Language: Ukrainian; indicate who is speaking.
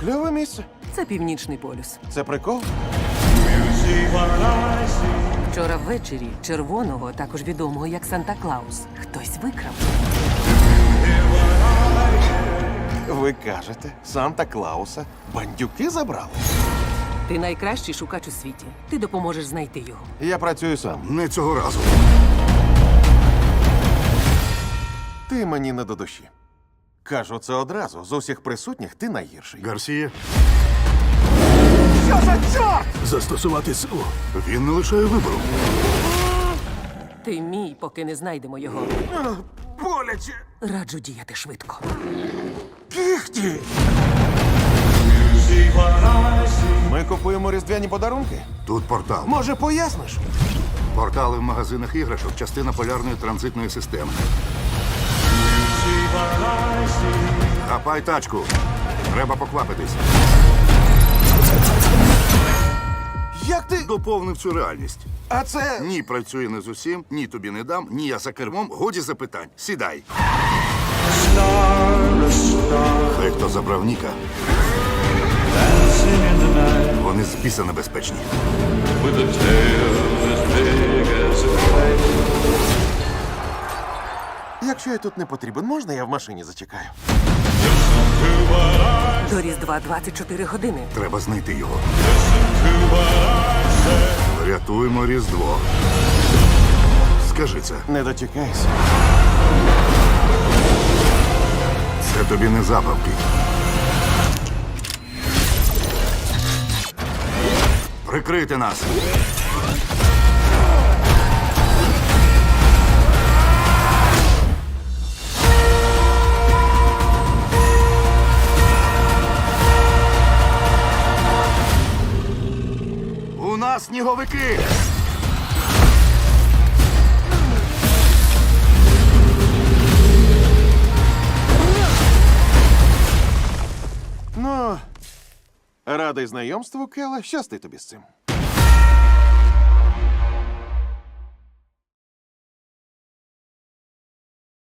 Speaker 1: Кльове місце.
Speaker 2: Це Північний полюс.
Speaker 1: Це прикол?
Speaker 2: Вчора ввечері червоного, також відомого як Санта-Клаус, хтось викрав.
Speaker 1: Ви кажете, Санта-Клауса бандюки забрали?
Speaker 2: Ти найкращий шукач у світі. Ти допоможеш знайти його.
Speaker 1: Я працюю сам.
Speaker 3: Не цього разу.
Speaker 1: Ти мені не до душі. Кажу це одразу. З усіх присутніх ти найгірший.
Speaker 3: Гарсія,
Speaker 1: Що за чорт?
Speaker 3: застосувати силу. Він не лишає вибору.
Speaker 2: Ти мій, поки не знайдемо його.
Speaker 1: Боляче.
Speaker 2: Раджу діяти швидко.
Speaker 1: Кіхті. Ми купуємо різдвяні подарунки.
Speaker 3: Тут портал.
Speaker 1: Може, поясниш?
Speaker 3: Портали в магазинах іграшок – частина полярної транзитної системи. Хапай тачку. Треба поквапитись.
Speaker 1: Як ти?
Speaker 3: Доповнив цю реальність.
Speaker 1: А це.
Speaker 3: Ні, працює не з усім, ні тобі не дам, ні я за кермом. Годі запитань. Сідай. Хай хто забрав Ніка. Вони з біса небезпечні.
Speaker 1: Якщо я тут не потрібен, можна я в машині зачекаю?
Speaker 2: До Різдва 24 години.
Speaker 3: Треба знайти його. Рятуємо Різдво. Скажи це.
Speaker 1: Не дочекайся.
Speaker 3: Це тобі не забавки. Прикрити нас. У нас сніговики.
Speaker 1: Ну, радий знайомству, Келе. Щасти тобі з цим.